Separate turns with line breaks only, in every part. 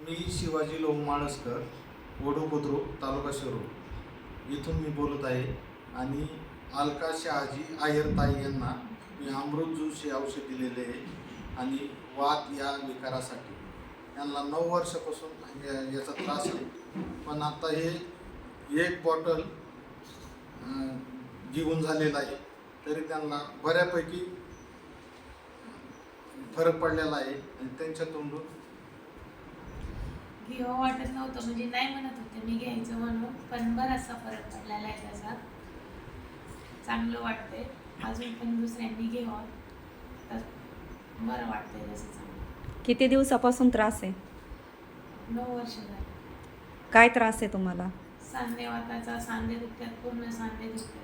मी शिवाजी लोह माळसकर, वडू बुद्रुक, तालुका शिरूर इथून मी बोलत आहे. आणि अलका शहाजी आयरताई यांना मी अमृत ज्यूस हे औषध दिलेले आहे. आणि वात या विकारासाठी त्यांना 9 वर्षापासून याचा त्रास आहे. पण आता हे एक बॉटल घेऊन झालेला आहे, तरी त्यांना बऱ्यापैकी फरक पडलेला आहे. आणि त्यांच्या तोंडून
घ्यावं वाटत नव्हतं, म्हणजे नाही म्हणत होते मी घ्यायचं म्हणून, पण बराचसा फरक पडलेला आहे त्याचा. चांगलं वाटतंय. अजून पण दुसऱ्यांनी घ्यावं तर बरं वाटतंय तसं चांगलं.
किती दिवसापासून त्रास आहे?
9 वर्ष झाली.
काय त्रास आहे तुम्हाला?
सांधेवाताचा, सांधे दुखतात, पूर्ण सांधे दुखतात,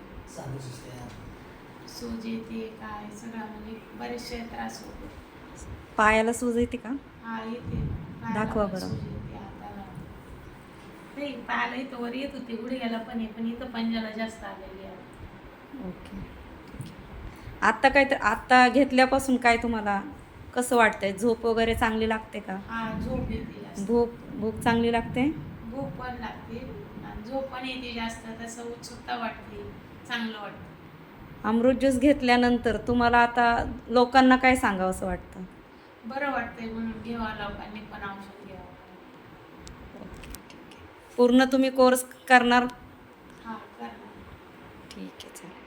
सूज येते, काय सगळा म्हणजे बरेचसे त्रास होते.
पायाला सूज येते का?
हा येते.
दाखवा बरं.
सूज येते हाताला. नाही, पायाला इथं वर येत होते, गुडघ्याला पण आहे, पण इथं पंजाला जास्त आलेली आहे.
ओके. आत्ता काय तर आत्ता घेतल्यापासून काय तुम्हाला कसं वाटतंय? झोप वगैरे चांगली लागते का?
हा, झोप येते जास्त.
भूक चांगली लागते?
भूक पण लागते आणि झोप पण येते जास्त. तसं उत्सुकता वाटते, चांगलं वाटतं.
अमृत ज्यूस घेतल्यानंतर तुम्हाला आता लोकांना काय सांगावं असं वाटतं?
बरं वाटतंय म्हणून घ्यावं, लोकांनी पण औषध घ्यावं.
पूर्ण तुम्ही कोर्स करणार?
हा, करणार.
ठीक आहे, चालेल.